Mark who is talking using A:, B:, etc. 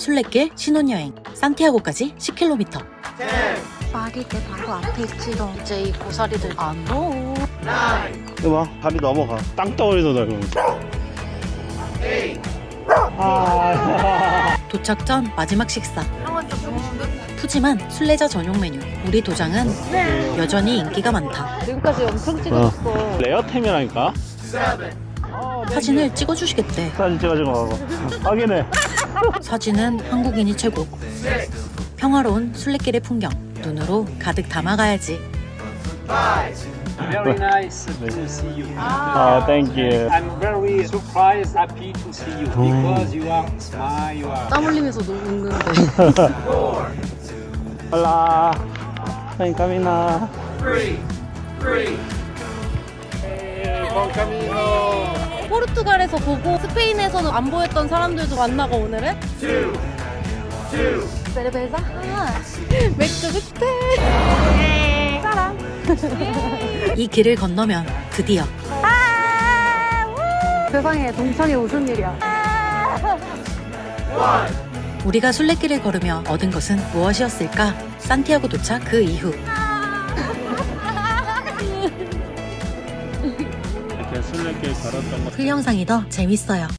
A: 순례길 신혼여행 산티아고까지 10km.
B: 말이 내 바로 앞에 있지롱. 이제 이 고사리들 안 넣어.
C: 이거 봐, 다리 넘어가. 땅덩어리도 넓으면서.
A: 도착 전 마지막 식사.
B: 형은 좀 좋은데?
A: 푸짐한 순례자 전용 메뉴. 우리 도장은 여전히 인기가 많다.
B: 지금까지 엄청 찍어줬어.
C: 레어템이라니까?
A: 사진을 찍어주시겠대.
C: 사진 찍어주고 가고. 확인해.
A: 사진은 한국인이 최고. 평화로운 순례길의 풍경 눈으로 가득 담아가야지.
D: Very nice to see you.
C: thank you.
D: I'm very surprised, happy to see you because you are smile. You are.
B: 땀 흘리면서 웃는데.
C: Hola. Buen camino.
D: Buen camino.
B: 포르투갈에서 보고 스페인에서는 안 보였던 사람들도 만나고 오늘은? 베르베자? 맥주 흑태! 사랑!
A: 이 길을 건너면 드디어
B: 세상에 동창이 무슨 일이야?
A: 우리가 순례길을 걸으며 얻은 것은 무엇이었을까? 산티아고 도착 그 이후
C: 이렇게 순례길 걸었던 거.
A: 풀 영상이 더 재밌어요.